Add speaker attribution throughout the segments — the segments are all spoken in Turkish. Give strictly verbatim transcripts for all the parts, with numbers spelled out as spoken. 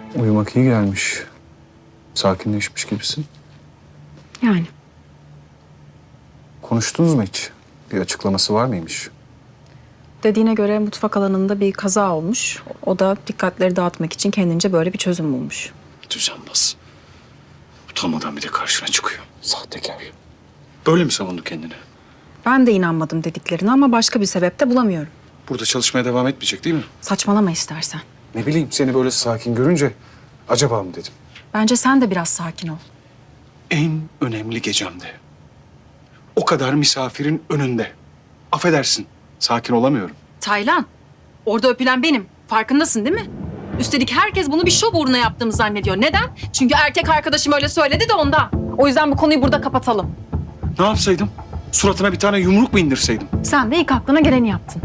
Speaker 1: Uyumak iyi gelmiş. Sakinleşmiş gibisin.
Speaker 2: Yani.
Speaker 1: Konuştunuz mu hiç? Bir açıklaması var mıymış?
Speaker 2: Dediğine göre mutfak alanında bir kaza olmuş. O da dikkatleri dağıtmak için kendince böyle bir çözüm bulmuş.
Speaker 1: Düzenbaz. Utanmadan bir de karşına çıkıyor. Sahtekar. Böyle mi savundu kendini?
Speaker 2: Ben de inanmadım dediklerine ama başka bir sebep de bulamıyorum.
Speaker 1: Burada çalışmaya devam etmeyecek değil mi?
Speaker 2: Saçmalama istersen.
Speaker 1: Ne bileyim, seni böyle sakin görünce acaba mı dedim.
Speaker 2: Bence sen de biraz sakin ol.
Speaker 1: En önemli gecemde. O kadar misafirin önünde. Affedersin, sakin olamıyorum.
Speaker 2: Taylan, orada öpülen benim. Farkındasın değil mi? Üstelik herkes bunu bir şov uğruna yaptığımı zannediyor. Neden? Çünkü erkek arkadaşım öyle söyledi de ondan. O yüzden bu konuyu burada kapatalım.
Speaker 1: Ne yapsaydım? Suratına bir tane yumruk mu indirseydim?
Speaker 2: Sen de ilk aklına geleni yaptın.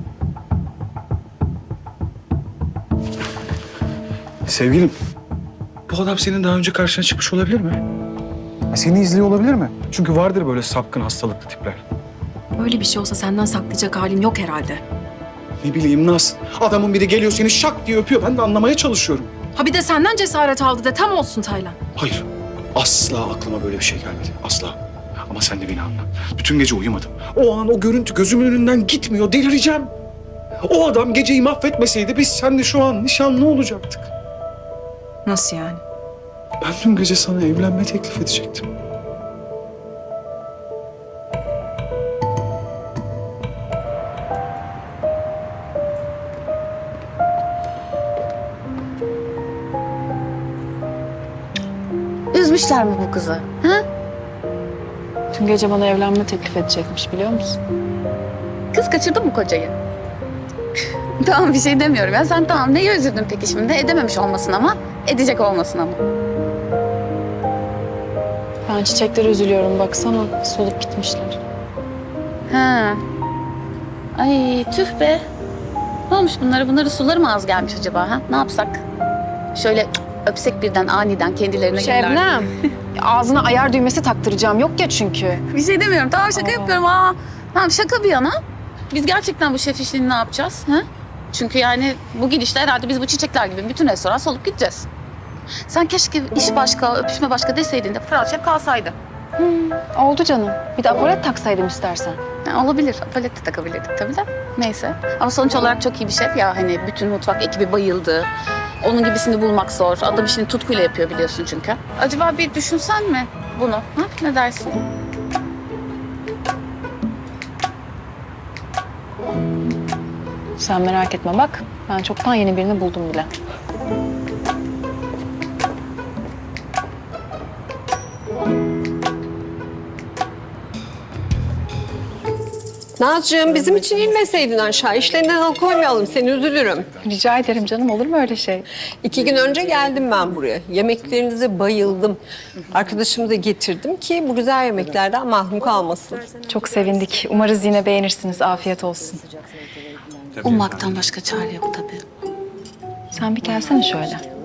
Speaker 1: Sevgilim, bu adam senin daha önce karşına çıkmış olabilir mi? Ya seni izliyor olabilir mi? Çünkü vardır böyle sapkın hastalıklı tipler.
Speaker 2: Öyle bir şey olsa senden saklayacak halin yok herhalde.
Speaker 1: Ne bileyim Naz, adamın biri geliyor seni şak diye öpüyor. Ben de anlamaya çalışıyorum.
Speaker 2: Ha bir de senden cesaret aldı de tam olsun Taylan.
Speaker 1: Hayır, asla aklıma böyle bir şey gelmedi. Asla. Ama sen de beni anla. Bütün gece uyumadım. O an o görüntü gözümün önünden gitmiyor. Delireceğim. O adam geceyi mahvetmeseydi biz seninle şu an nişanlı olacaktık.
Speaker 2: Nasıl yani?
Speaker 1: Ben dün gece sana evlenme teklif edecektim.
Speaker 3: Üzmüşler mi bu kızı? Ha?
Speaker 2: Dün gece bana evlenme teklif edecekmiş biliyor musun?
Speaker 3: Kız kaçırdı mı kocayı? Tamam bir şey demiyorum ya. Sen tamam neye üzüldün peki şimdi? Edememiş olmasın ama, edecek olmasın ama.
Speaker 2: Ben çiçeklere üzülüyorum baksana solup gitmişler.
Speaker 3: Ha. Ay tüh be. Ne olmuş bunlara? Bunları suları mı az gelmiş acaba ha? Ne yapsak? Şöyle öpsek birden aniden kendilerine gelirler.
Speaker 2: Şebnem, ağzına ayar düğmesi taktıracağım yok ya çünkü.
Speaker 3: Bir şey demiyorum. Tamam şaka
Speaker 2: Aa.
Speaker 3: yapıyorum. Aa. Tamam şaka bir yana. Biz gerçekten bu şef işini ne yapacağız? Ha? Çünkü yani bu gidişle herhalde biz bu çiçekler gibi bütün restoran solup gideceğiz. Sen keşke iş başka, öpüşme başka deseydin de Fırat Şef kalsaydı.
Speaker 2: Oldu canım. Bir de apolet taksaydım istersen.
Speaker 3: Ha, olabilir. Apolet de takabilirdik tabii de. Neyse. Ama sonuç olarak çok iyi bir şef ya. Hani bütün mutfak ekibi bayıldı. Onun gibisini bulmak zor. Adam işini tutkuyla yapıyor biliyorsun çünkü. Acaba bir düşünsen mi bunu? Ha? Ne dersin?
Speaker 2: Sen merak etme bak. Ben çoktan yeni birini buldum bile.
Speaker 4: Nazcığım bizim için inmeseydin aşağı. İşlerinden alıkoymayalım seni üzülürüm.
Speaker 2: Rica ederim canım olur mu öyle şey?
Speaker 4: İki gün önce geldim ben buraya. Yemeklerinize bayıldım. Arkadaşımı da getirdim ki bu güzel yemeklerden mahrum kalmasın.
Speaker 2: Çok sevindik. Umarız yine beğenirsiniz. Afiyet olsun.
Speaker 3: Ummaktan başka çare yok tabii.
Speaker 2: Sen bir gelsene şöyle.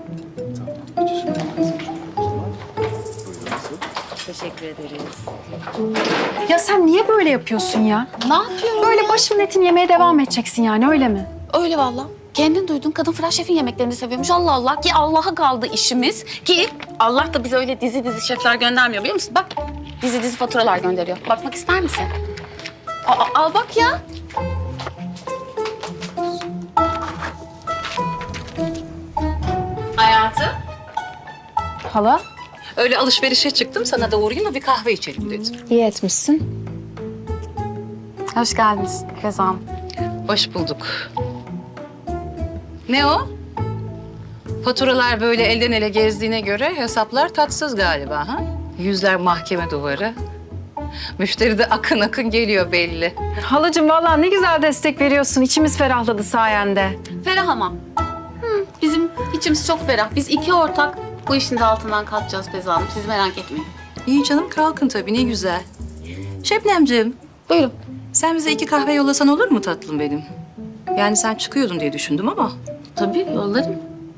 Speaker 5: Teşekkür ederiz.
Speaker 2: Ya sen niye böyle yapıyorsun ya?
Speaker 3: Ne yapıyorum
Speaker 2: Böyle
Speaker 3: ya?
Speaker 2: başımın etini yemeye devam edeceksin yani öyle mi?
Speaker 3: Öyle valla. Kendin duydun kadın Fırat Şef'in yemeklerini seviyormuş. Allah Allah ki Allah'a kaldı işimiz. Ki Allah da bize öyle dizi dizi şefler göndermiyor biliyor musun? Bak dizi dizi faturalar gönderiyor. Bakmak ister misin? Aa, al bak ya. Hayatım.
Speaker 2: Hala?
Speaker 5: Öyle alışverişe çıktım, sana da uğrayayım da bir kahve içelim dedim.
Speaker 2: İyi etmişsin.
Speaker 3: Hoş geldiniz Rezan.
Speaker 5: Hoş bulduk. Ne o? Faturalar böyle elden ele gezdiğine göre hesaplar tatsız galiba ha? Yüzler mahkeme duvarı. Müşteri de akın akın geliyor belli.
Speaker 2: Halacığım vallahi ne güzel destek veriyorsun. İçimiz ferahladı sayende.
Speaker 3: Ferah ama. Hı, bizim içimiz çok ferah. Biz iki ortak bu işin de altından kalkacağız Beyza Hanım. Siz merak etmeyin.
Speaker 5: İyi canım kalkın tabii ne güzel. Şebnemciğim
Speaker 3: Buyurun.
Speaker 5: sen bize iki kahve yollasan olur mu tatlım benim? Yani sen çıkıyordun diye düşündüm ama.
Speaker 3: Tabii yollarım.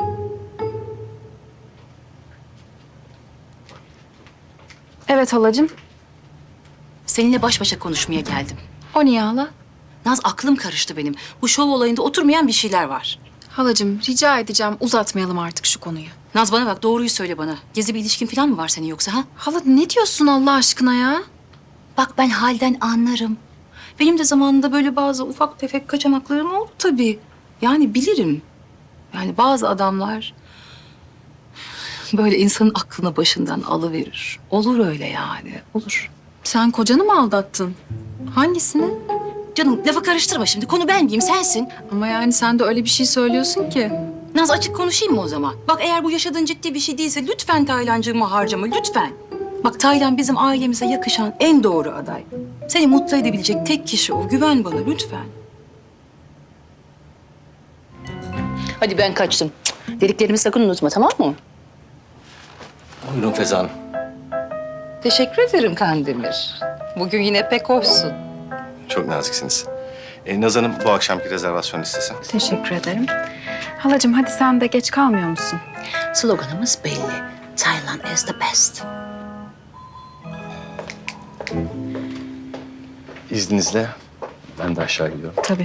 Speaker 2: Evet halacığım.
Speaker 5: Seninle baş başa konuşmaya geldim.
Speaker 2: O niye hala?
Speaker 5: Naz aklım karıştı benim. Bu şov olayında oturmayan bir şeyler var.
Speaker 2: Halacığım rica edeceğim uzatmayalım artık şu konuyu.
Speaker 5: Naz bana bak, doğruyu söyle bana. Gizli bir ilişkin falan mı var senin yoksa ha?
Speaker 2: Hala ne diyorsun Allah aşkına ya?
Speaker 5: Bak ben halden anlarım. Benim de zamanında böyle bazı ufak tefek kaçamaklarım oldu tabii. Yani bilirim. Yani bazı adamlar böyle insanın aklını başından alıverir. Olur öyle yani, olur.
Speaker 2: Sen kocanı mı aldattın? Hangisini?
Speaker 5: Canım lafı karıştırma şimdi. Konu ben miyim, sensin.
Speaker 2: Ama yani sen de öyle bir şey söylüyorsun ki.
Speaker 5: Naz açık konuşayım mı o zaman? Bak eğer bu yaşadığın ciddi bir şey değilse lütfen Taylancığımı harcama, lütfen. Bak Taylan bizim ailemize yakışan en doğru aday. Seni mutlu edebilecek tek kişi o. Güven bana lütfen. Hadi ben kaçtım. Cık, dediklerimi sakın unutma, tamam mı?
Speaker 6: Buyurun Feza Hanım.
Speaker 5: Teşekkür ederim Kandemir. Bugün yine pek hoşsun.
Speaker 6: Çok naziksiniz. E, Naz Hanım bu akşamki rezervasyon listesi.
Speaker 2: Teşekkür ederim. Halacığım hadi sen de geç kalmıyor musun?
Speaker 5: Sloganımız belli. Thailand is the best.
Speaker 6: İzninizle ben de aşağı gidiyorum.
Speaker 2: Tabii.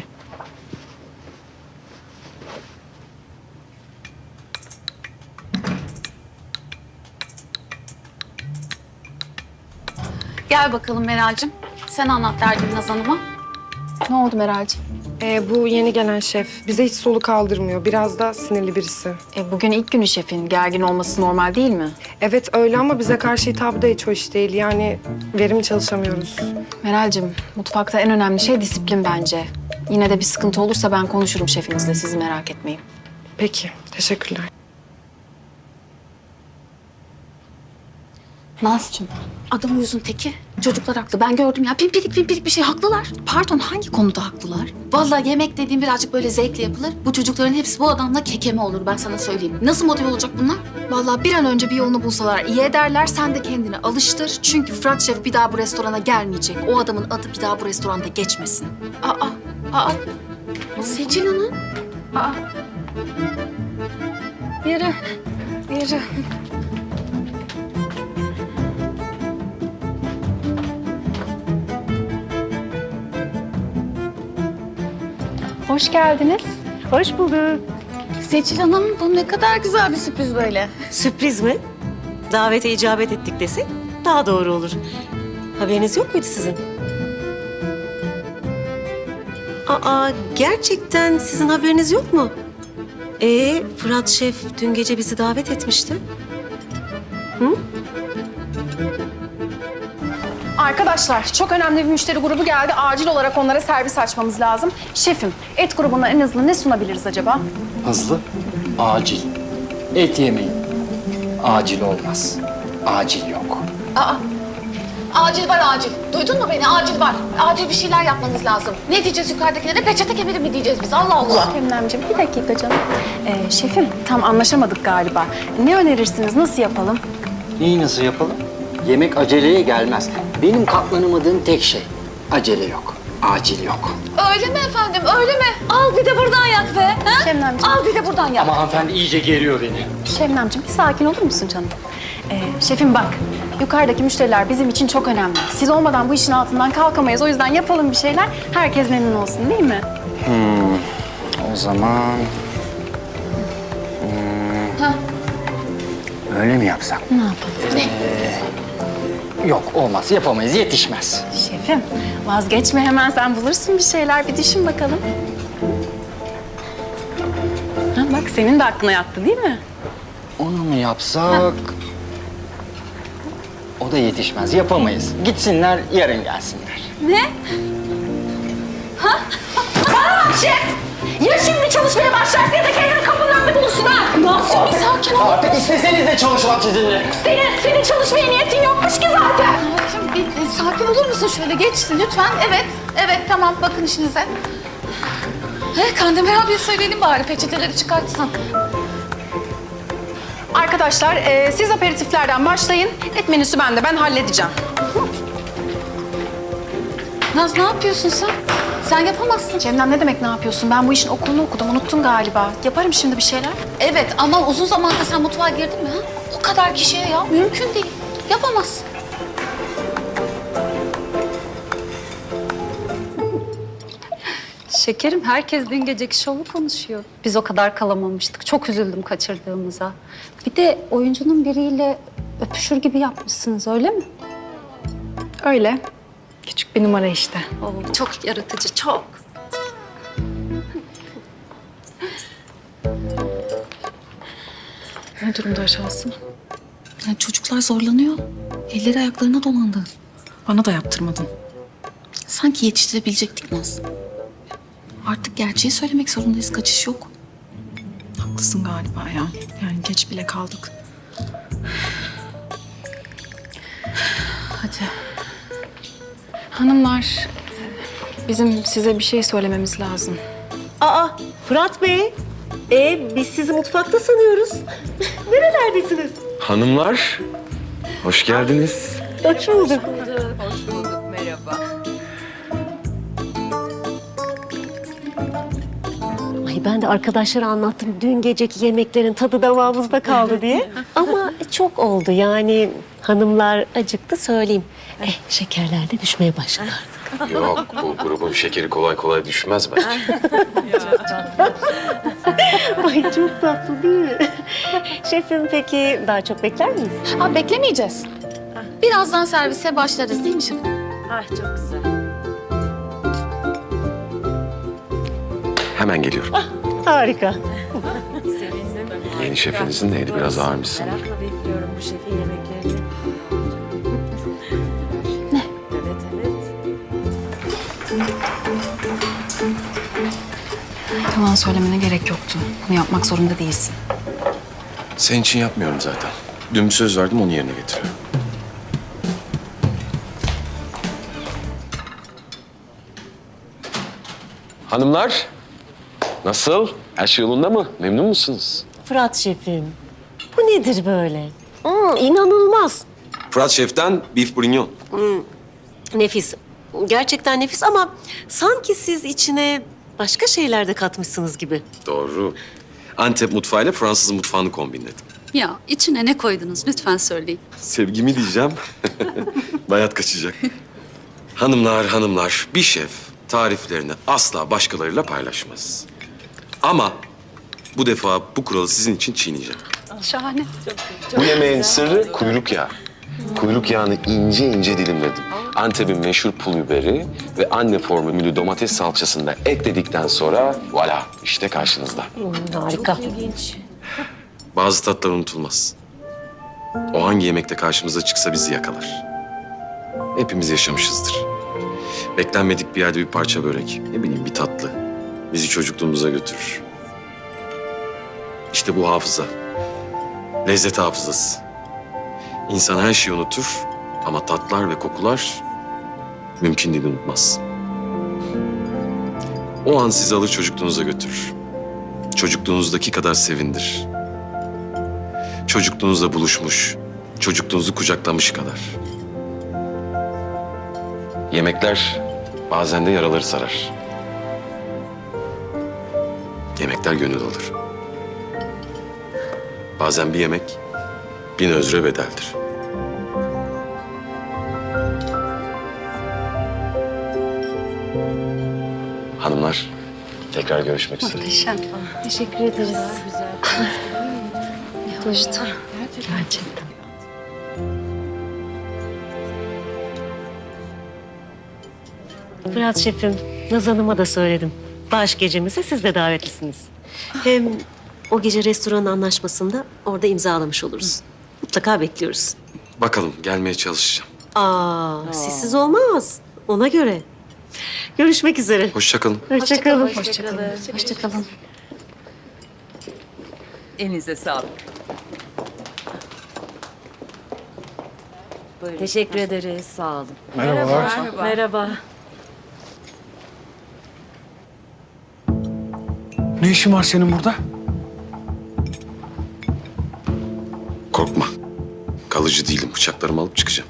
Speaker 3: Gel bakalım Meral'cim. Sen anlat derdini Naz Hanım'a.
Speaker 2: Ne oldu Meral'cığım?
Speaker 7: Ee, bu yeni gelen şef bize hiç solu kaldırmıyor. Biraz da sinirli birisi.
Speaker 2: E, bugün ilk günü şefin. Gergin olması normal değil mi?
Speaker 7: Evet öyle ama bize karşı hitabı da hiç hoş değil. Yani verimli çalışamıyoruz.
Speaker 2: Meral'cığım mutfakta en önemli şey disiplin bence. Yine de bir sıkıntı olursa ben konuşurum şefinizle. Siz merak etmeyin.
Speaker 7: Peki, teşekkürler.
Speaker 3: Nazcığım, adam uyuzun teki. Çocuklar haklı. Ben gördüm ya. Pimpirik pimpirik bir şey. Haklılar.
Speaker 2: Pardon hangi konuda haklılar?
Speaker 3: Vallahi yemek dediğim birazcık böyle zevkle yapılır. Bu çocukların hepsi bu adamla kekeme olur, ben sana söyleyeyim. Nasıl motive olacak bunlar?
Speaker 2: Vallahi bir an önce bir yolunu bulsalar iyi ederler. Sen de kendini alıştır. Çünkü Fırat Şef bir daha bu restorana gelmeyecek. O adamın adı bir daha bu restoranda geçmesin.
Speaker 3: Aa, aa. Seçil Hanım.
Speaker 2: Aa.
Speaker 3: Yürü, yürü.
Speaker 2: Hoş geldiniz.
Speaker 8: Hoş bulduk.
Speaker 3: Seçil Hanım, bu ne kadar güzel bir sürpriz böyle.
Speaker 8: Sürpriz mi? Davete icabet ettik desek daha doğru olur. Haberiniz yok muydu sizin? Aa, gerçekten sizin haberiniz yok mu? Ee, Fırat Şef dün gece bizi davet etmişti.
Speaker 2: Arkadaşlar çok önemli bir müşteri grubu geldi. Acil olarak onlara servis açmamız lazım. Şefim et grubuna en hızlı ne sunabiliriz acaba?
Speaker 9: Hızlı, acil. Et yemeyin. Acil olmaz. Acil yok.
Speaker 3: Aa, acil var acil. Duydun mu beni? Acil var. Acil bir şeyler yapmanız lazım. Ne diyeceğiz yukarıdakilere? Peçete kemeri mi diyeceğiz biz? Allah Allah.
Speaker 2: Emlemciğim bir dakika canım. Ee, şefim tam anlaşamadık galiba. Ne önerirsiniz? Nasıl yapalım?
Speaker 9: Neyi nasıl yapalım? Yemek aceleye gelmez. Benim katlanımadığım tek şey. Acele yok. Acil yok.
Speaker 3: Öyle mi efendim? Öyle mi? Al bir de buradan yak be. Ha?
Speaker 2: Şebnemciğim.
Speaker 3: Al bir de buradan yak.
Speaker 9: Ama hanımefendi iyice geriyor beni.
Speaker 2: Şebnemciğim bir sakin olur musun canım? Ee, şefim bak yukarıdaki müşteriler bizim için çok önemli. Siz olmadan bu işin altından kalkamayız. O yüzden yapalım bir şeyler. Herkes memnun olsun değil mi?
Speaker 9: O zaman... Hmm, öyle mi yapsak?
Speaker 2: Ne yapalım?
Speaker 9: Yok olmaz. Yapamayız. Yetişmez.
Speaker 2: Şefim vazgeçme hemen sen bulursun bir şeyler. Bir düşün bakalım. Ha, bak senin de aklına yattı değil mi?
Speaker 9: Onu mu yapsak? O da yetişmez. Yapamayız. Gitsinler, yarın gelsinler.
Speaker 3: Ya şimdi çalışmaya başlarsın ya da kendini kapının önünde bulursun ha. Nazcığım bir sakin ol.
Speaker 9: Artık isteseniz de çalışmam sizinle.
Speaker 3: Senin, senin çalışmaya niyetin yokmuş ki zaten. Nazcığım bir, bir sakin olur musun şöyle? Geç lütfen. Evet, evet tamam bakın işinize. He, Kandemir abiye söyleyelim bari peçeteleri çıkartsın.
Speaker 2: Arkadaşlar e, siz aperatiflerden başlayın. Et menüsü bende ben halledeceğim.
Speaker 3: Naz ne yapıyorsun sen? Sen yapamazsın.
Speaker 2: Cemden ne demek ne yapıyorsun? Ben bu işin okulunu okudum unuttun galiba. Yaparım şimdi bir şeyler.
Speaker 3: Evet ama uzun zamandır sen mutfağa girdin mi ha? O kadar kişiye ya mümkün değil. Yapamazsın.
Speaker 10: Şekerim, herkes dün geceki şovu konuşuyor. Biz o kadar kalamamıştık. Çok üzüldüm kaçırdığımıza. Bir de oyuncunun biriyle öpüşür gibi yapmışsınız, öyle mi?
Speaker 2: Öyle. Küçük bir numara işte.
Speaker 10: Oo, çok yaratıcı, çok.
Speaker 2: Ne durumda aşağısı?
Speaker 5: Yani çocuklar zorlanıyor. Elleri ayaklarına dolandı.
Speaker 2: Bana da yaptırmadın.
Speaker 5: Sanki yetiştirebilecektik Naz. Artık gerçeği söylemek zorundayız. Kaçış yok.
Speaker 2: Haklısın galiba ya. Yani geç bile kaldık. Hadi. Hanımlar, bizim size bir şey söylememiz lazım.
Speaker 8: Aa, Fırat Bey. E, biz sizi mutfakta sanıyoruz. Nerelerdesiniz?
Speaker 6: Hanımlar, hoş geldiniz.
Speaker 8: Hoş bulduk. Ay ben de arkadaşlara anlattım dün geceki yemeklerin tadı damağımızda kaldı diye. Ama çok oldu yani hanımlar acıktı söyleyeyim. Eh, şekerler de düşmeye başladı.
Speaker 6: Yok, bu grubun şekeri kolay kolay düşmez bence.
Speaker 8: Ay çok tatlı değil mi? Şefim peki daha çok bekler miyiz?
Speaker 3: Ha beklemeyeceğiz. Birazdan servise başlarız değil mi şefim?
Speaker 6: Hemen geliyorum.
Speaker 8: Harika.
Speaker 6: Yeni şefinizin neydi? Biraz ağırmış sanırım.
Speaker 8: Bekliyorum bu şefin yemeklerini.
Speaker 2: Yalan söylemene gerek yoktu. Bunu yapmak zorunda değilsin.
Speaker 6: Senin için yapmıyorum zaten. Dün bir söz verdim, onu yerine getiriyorum. Hanımlar, nasıl? Her şey yolunda mı? Memnun musunuz?
Speaker 8: Fırat şefim, bu nedir böyle? Hmm, inanılmaz.
Speaker 6: Fırat Şef'ten beef bourguignon.
Speaker 8: Nefis. Gerçekten nefis ama sanki siz içine başka şeyler de katmışsınız gibi.
Speaker 6: Doğru. Antep mutfağıyla Fransız mutfağını kombinledim.
Speaker 10: Ya içine ne koydunuz lütfen söyleyin.
Speaker 6: Sevgimi diyeceğim. Bayat kaçacak. Hanımlar, hanımlar, bir şef tariflerini asla başkalarıyla paylaşmaz. Ama bu defa bu kuralı sizin için çiğneyeceğim.
Speaker 10: Şahane.
Speaker 6: Bu yemeğin sırrı kuyruk yağı. Kuyruk yağını ince ince dilimledim. Antep'in meşhur pul biberi ve anne formülü domates salçasını da ekledikten sonra voilà işte karşınızda.
Speaker 8: Hmm, harika.
Speaker 6: Bazı tatlar unutulmaz. O hangi yemekte karşımıza çıksa bizi yakalar. Hepimiz yaşamışızdır. Beklenmedik bir yerde bir parça börek, ne bileyim bir tatlı bizi çocukluğumuza götürür. İşte bu hafıza. Lezzet hafızası. İnsan her şeyi unutur ama tatlar ve kokular mümkün değil unutmaz. O an sizi alır çocukluğunuza götürür. Çocukluğunuzdaki kadar sevindir. Çocukluğunuzla buluşmuş, çocukluğunuzu kucaklamış kadar. Yemekler bazen de yaraları sarar. Yemekler gönül alır. Bazen bir yemek bin özre bedeldir. Hanımlar, tekrar görüşmek üzere.
Speaker 10: Muhteşem.
Speaker 3: Teşekkür ederiz. Hoştu.
Speaker 10: Gerçekten.
Speaker 8: Fırat şefim, Naz Hanım'a da söyledim. Bağış gecemize siz de davetlisiniz. Hem o gece restoranın anlaşmasında orada imzalamış oluruz. Mutlaka bekliyoruz.
Speaker 6: Bakalım, gelmeye çalışacağım.
Speaker 8: Aa, sizsiz olmaz. Ona göre. Görüşmek üzere.
Speaker 6: Hoşça kalın.
Speaker 8: Hoşçakalın.
Speaker 3: Hoşçakalın.
Speaker 11: Elinize sağlık.
Speaker 8: Teşekkür ederiz. Sağ olun.
Speaker 1: Merhabalar.
Speaker 8: Merhaba.
Speaker 1: Ne işin var senin burada?
Speaker 6: Korkma. Kalıcı değilim. Bıçaklarımı alıp çıkacağım.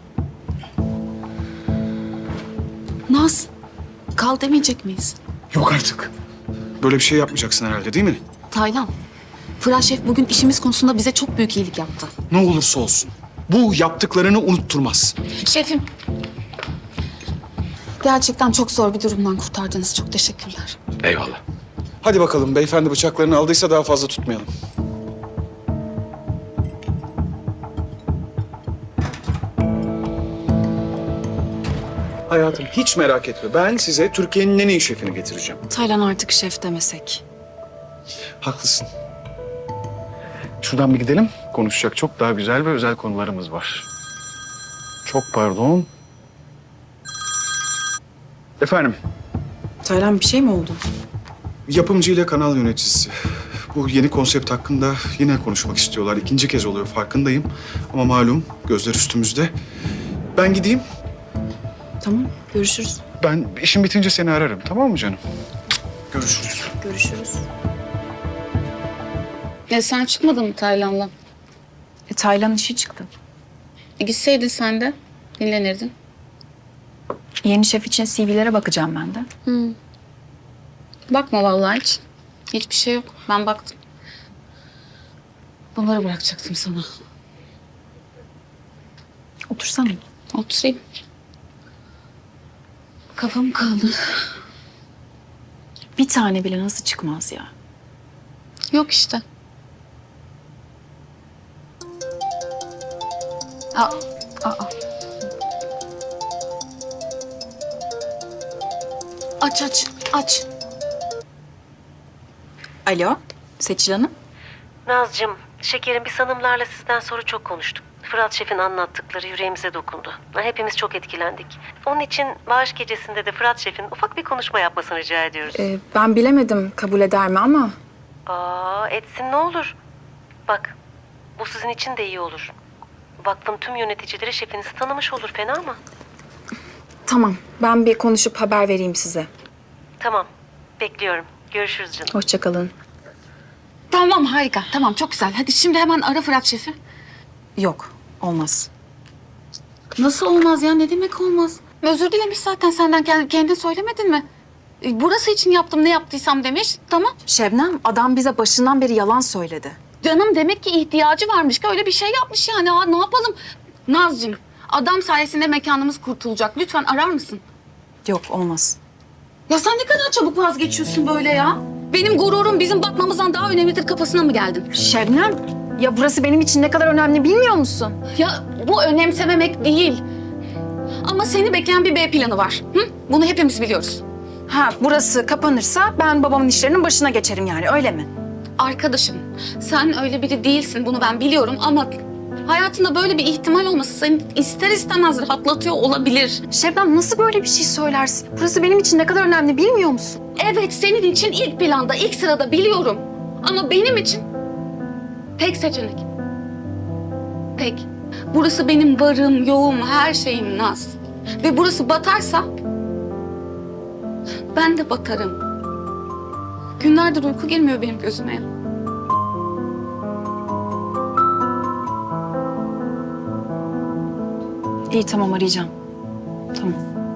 Speaker 5: Naz, kal demeyecek miyiz?
Speaker 1: Yok artık. Böyle bir şey yapmayacaksın herhalde değil mi?
Speaker 5: Taylan, Fırat Şef bugün işimiz konusunda bize çok büyük iyilik yaptı.
Speaker 1: Ne olursa olsun. Bu yaptıklarını unutturmaz.
Speaker 3: Şefim. Gerçekten çok zor bir durumdan kurtardınız. Çok teşekkürler.
Speaker 6: Eyvallah.
Speaker 1: Hadi bakalım beyefendi bıçaklarını aldıysa daha fazla tutmayalım. Hayatım hiç merak etme. Ben size Türkiye'nin en iyi şefini getireceğim.
Speaker 2: Taylan artık şef demesek.
Speaker 1: Haklısın. Şuradan bir gidelim. Konuşacak çok daha güzel ve özel konularımız var. Çok pardon. Efendim,
Speaker 2: Taylan bir şey mi oldu?
Speaker 1: yapımcı ile kanal yöneticisi. Bu yeni konsept hakkında yine konuşmak istiyorlar. İkinci kez oluyor farkındayım. Ama malum gözler üstümüzde. Ben gideyim.
Speaker 2: Tamam, görüşürüz.
Speaker 1: Ben işim bitince seni ararım. Tamam mı canım? Görüşürüz.
Speaker 2: Görüşürüz.
Speaker 3: E sen çıkmadın mı Taylan'la?
Speaker 2: E, Taylan işi çıktı.
Speaker 3: E, gitseydin sen de dinlenirdin.
Speaker 2: Yeni şef için C V'lere bakacağım ben de.
Speaker 3: Bakma vallahi hiç. Hiçbir şey yok. Ben baktım. Bunları bırakacaktım sana.
Speaker 2: Otursana.
Speaker 3: Oturayım. Kafam kaldı.
Speaker 2: Bir tane bile nasıl çıkmaz ya?
Speaker 3: Yok işte. Aa, aa. Aç aç aç.
Speaker 2: Alo, Seçil Hanım.
Speaker 8: Nazcığım, şekerim biz hanımlarla sizden sonra çok konuştuk. Fırat Şef'in anlattıkları yüreğimize dokundu. Hepimiz çok etkilendik. Onun için bağış gecesinde de Fırat Şef'in ufak bir konuşma yapmasını rica ediyoruz.
Speaker 2: Ee, ben bilemedim kabul eder mi ama...
Speaker 8: Aa, etsin ne olur. Bak, bu sizin için de iyi olur. Vakfın tüm yöneticileri şefinizi tanımış olur, fena mı?
Speaker 2: Tamam, ben bir konuşup haber vereyim size.
Speaker 8: Tamam, bekliyorum. Görüşürüz canım.
Speaker 2: Hoşça kalın.
Speaker 3: Tamam harika. Tamam çok güzel. Hadi şimdi hemen ara Fırat Şef'i.
Speaker 2: Yok, olmaz.
Speaker 3: Nasıl olmaz ya? Ne demek olmaz? Özür dilemiş zaten senden. Kendin, kendin söylemedin mi? E, Burası için yaptım ne yaptıysam demiş. Tamam.
Speaker 2: Şebnem, adam bize başından beri yalan söyledi.
Speaker 3: Canım demek ki ihtiyacı varmış ki öyle bir şey yapmış yani. Aa, ne yapalım? Nazcığım adam sayesinde mekanımız kurtulacak. Lütfen arar mısın?
Speaker 2: Yok, olmaz.
Speaker 3: Ya sen ne kadar çabuk vazgeçiyorsun böyle ya? Benim gururum bizim batmamızdan daha önemlidir kafasına mı geldin?
Speaker 2: Şebnem, ya burası benim için ne kadar önemli bilmiyor musun?
Speaker 3: Ya bu önemsememek değil. Ama seni bekleyen bir B planı var. Hı? Bunu hepimiz biliyoruz.
Speaker 2: Ha, burası kapanırsa ben babamın işlerinin başına geçerim yani, öyle mi?
Speaker 3: Arkadaşım, sen öyle biri değilsin. Bunu ben biliyorum ama hayatında böyle bir ihtimal olması seni ister istemez rahatlatıyor olabilir.
Speaker 2: Şebnem, nasıl böyle bir şey söylersin? Burası benim için ne kadar önemli bilmiyor musun?
Speaker 3: Evet, senin için ilk planda, ilk sırada biliyorum. Ama benim için tek seçenek. Tek. Burası benim varım, yoğum, her şeyim Naz. Ve burası batarsa ben de batarım. Günlerdir uyku girmiyor benim gözüme ya.
Speaker 2: İyi, tamam, arayacağım. Tamam.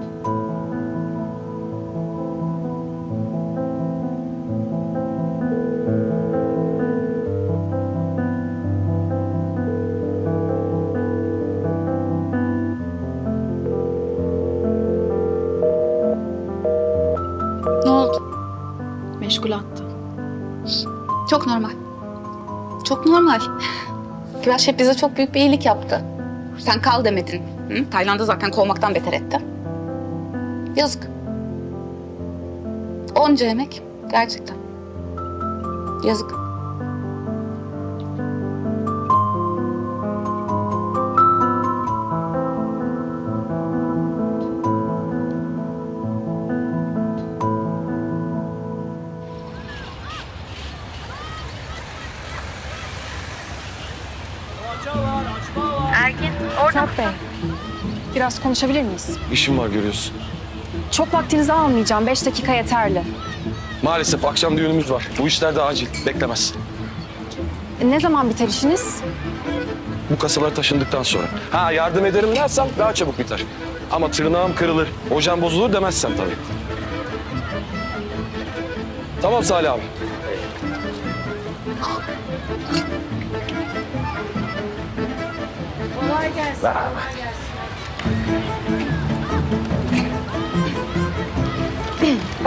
Speaker 3: Ne oldu?
Speaker 2: Meşgul attı.
Speaker 3: Çok normal. Çok normal. Fırat Şef bize çok büyük bir iyilik yaptı. Sen kal demedin. Hı? Tayland'ı zaten kovmaktan beter etti. Yazık. Onca emek. Gerçekten. Yazık.
Speaker 2: Fırat Bey, biraz konuşabilir miyiz?
Speaker 6: İşim var görüyorsun.
Speaker 2: Çok vaktinizi almayacağım, beş dakika yeterli.
Speaker 6: Maalesef akşam düğünümüz var. Bu işler de acil. Beklemez.
Speaker 2: E, ne zaman biter işiniz?
Speaker 6: Bu kasalar taşındıktan sonra. Ha yardım ederim dersem daha çabuk biter. Ama tırnağım kırılır, hocam bozulur demezsem tabii. Tamam Salih abi. Kolay gelsin. Kolay gelsin.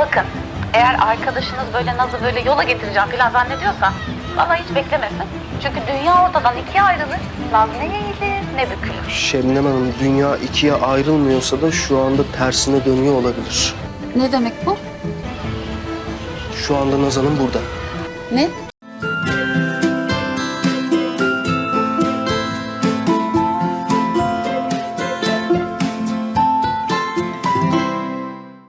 Speaker 3: bakın eğer arkadaşınız böyle Naz'ı böyle yola getireceğim falan zannediyorsa vallahi hiç beklemesin. Çünkü dünya ortadan ikiye ayrılır. Naz ne eğilir ne bükülür.
Speaker 11: Şebnem Hanım, dünya ikiye ayrılmıyorsa da şu anda tersine dönüyor olabilir.
Speaker 3: Ne demek bu?
Speaker 11: Şu anda Naz Hanım burada.
Speaker 3: Ne?